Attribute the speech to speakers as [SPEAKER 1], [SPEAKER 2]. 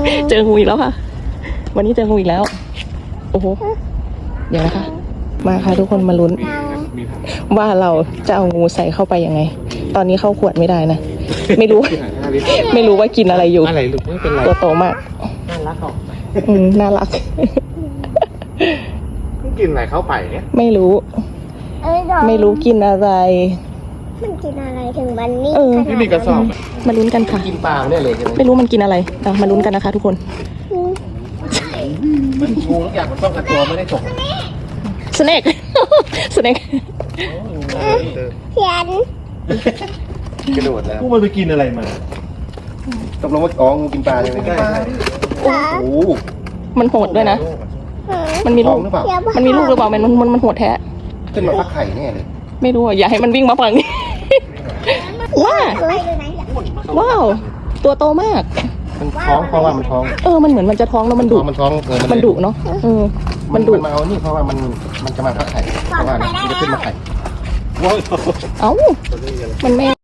[SPEAKER 1] เจองูอีกแล้วค่ะ วันนี้เจองูอีกแล้ว โอ้โห เดี๋ยวนะคะ มาค่ะทุกคนมาลุ้น ว่าเราจะเอางูใส่เข้าไปยังไง ตอนนี้เข้าขวดไม่ได้นะ ไม่รู้ ไม่รู้ว่ากินอะไรอยู่
[SPEAKER 2] อะไรลูกไม่เป็นไร
[SPEAKER 1] ตัวโตมาก
[SPEAKER 2] น่ารักออก
[SPEAKER 1] น่ารัก
[SPEAKER 2] ไม่กินอะไรเข้าไปเนี่ย
[SPEAKER 1] ไม่รู้ ไม่รู้กินอะไร
[SPEAKER 3] มันกินอะไรถึงมันนิ่ง
[SPEAKER 1] เออ
[SPEAKER 2] นี่มีกระสอบ
[SPEAKER 1] มาลุ้นกันค่ะ
[SPEAKER 2] กินปลาเนี่ยเลยใช่ไหม
[SPEAKER 1] ไม่รู้มันกินอะไรเอามาลุ้นกันนะคะ ทุกคน
[SPEAKER 2] มันงูทุกอย่างมันต้องกระตัวไม่ได้จบ
[SPEAKER 1] สเน็ก สเน็ก
[SPEAKER 3] เขียน
[SPEAKER 2] กระโดดแล้ว
[SPEAKER 4] พวกมันไปกินอะไรมา
[SPEAKER 2] ตกลงว่าอ๋องูกินปลาใช่ไหมใช่
[SPEAKER 3] เหรอ
[SPEAKER 2] โอ้
[SPEAKER 1] มันโหดด้วยนะ มันมี
[SPEAKER 2] ท้
[SPEAKER 1] ลู
[SPEAKER 2] อง
[SPEAKER 1] ก
[SPEAKER 2] หรือเปล่า
[SPEAKER 1] มันมีลูกหรือเปล่ามันโหดแท้
[SPEAKER 2] ขึ้นมาฟักไข่แน่เลย
[SPEAKER 1] ไม่รู้อ่ะอย่าให้มันวิ่งมาฝั่งนี้ ว้า
[SPEAKER 3] ไปเลยนะอยาก
[SPEAKER 1] ว้าว ตัวโตมาก
[SPEAKER 2] มันท้องเพราะว่ามันท้อง
[SPEAKER 1] มันเหมือนมันจะท้องแล้วมันดุ
[SPEAKER 2] มันท้อง
[SPEAKER 1] มันดุเนาะมันดุ
[SPEAKER 2] มันมาเอานี่เพราะว่ามันจะมาฟักไข่เพราะว่ามันจะขึ้นมาไข่
[SPEAKER 1] เอ้า มันไม่